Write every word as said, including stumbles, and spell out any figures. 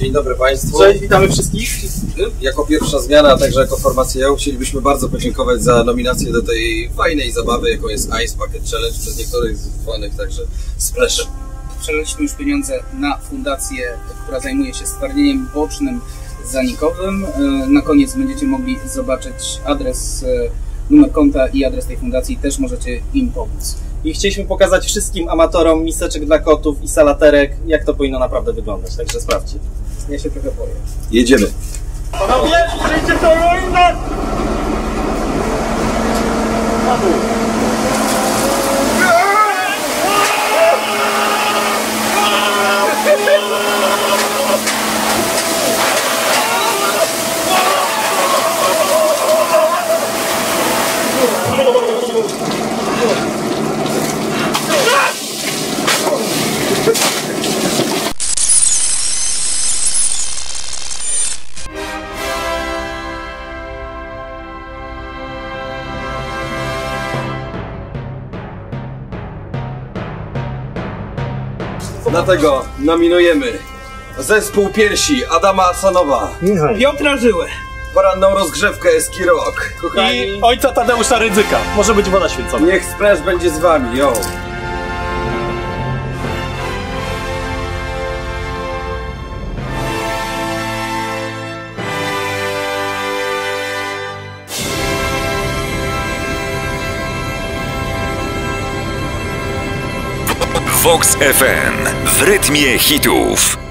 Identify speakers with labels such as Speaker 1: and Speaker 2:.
Speaker 1: Dzień dobry Państwu.
Speaker 2: Cześć, witamy wszystkich.
Speaker 1: Jako pierwsza zmiana, a także jako formacja chcielibyśmy bardzo podziękować za nominację do tej fajnej zabawy, jaką jest Ice Bucket Challenge, przez niektórych zwanych także Splashem.
Speaker 3: Przeleliśmy już pieniądze na fundację, która zajmuje się stwardnieniem bocznym zanikowym. Na koniec będziecie mogli zobaczyć adres, numer konta i adres tej fundacji, też możecie im pomóc.
Speaker 2: I chcieliśmy pokazać wszystkim amatorom miseczek dla kotów i salaterek, jak to powinno naprawdę wyglądać, także sprawdźcie.
Speaker 3: Ja się trochę boję.
Speaker 1: Jedziemy.
Speaker 2: Panowie, przyjdzie to ruinę! Na dół.
Speaker 1: Dlatego nominujemy zespół piersi Adama Asanowa,
Speaker 2: Piotra Żyłę
Speaker 1: poranną rozgrzewkę Eski Rock. Kochani,
Speaker 2: i ojca Tadeusza Rydzyka. Może być woda święcona.
Speaker 1: niech Splash będzie z Wami, yo!
Speaker 4: Vox F M w rytmie hitów.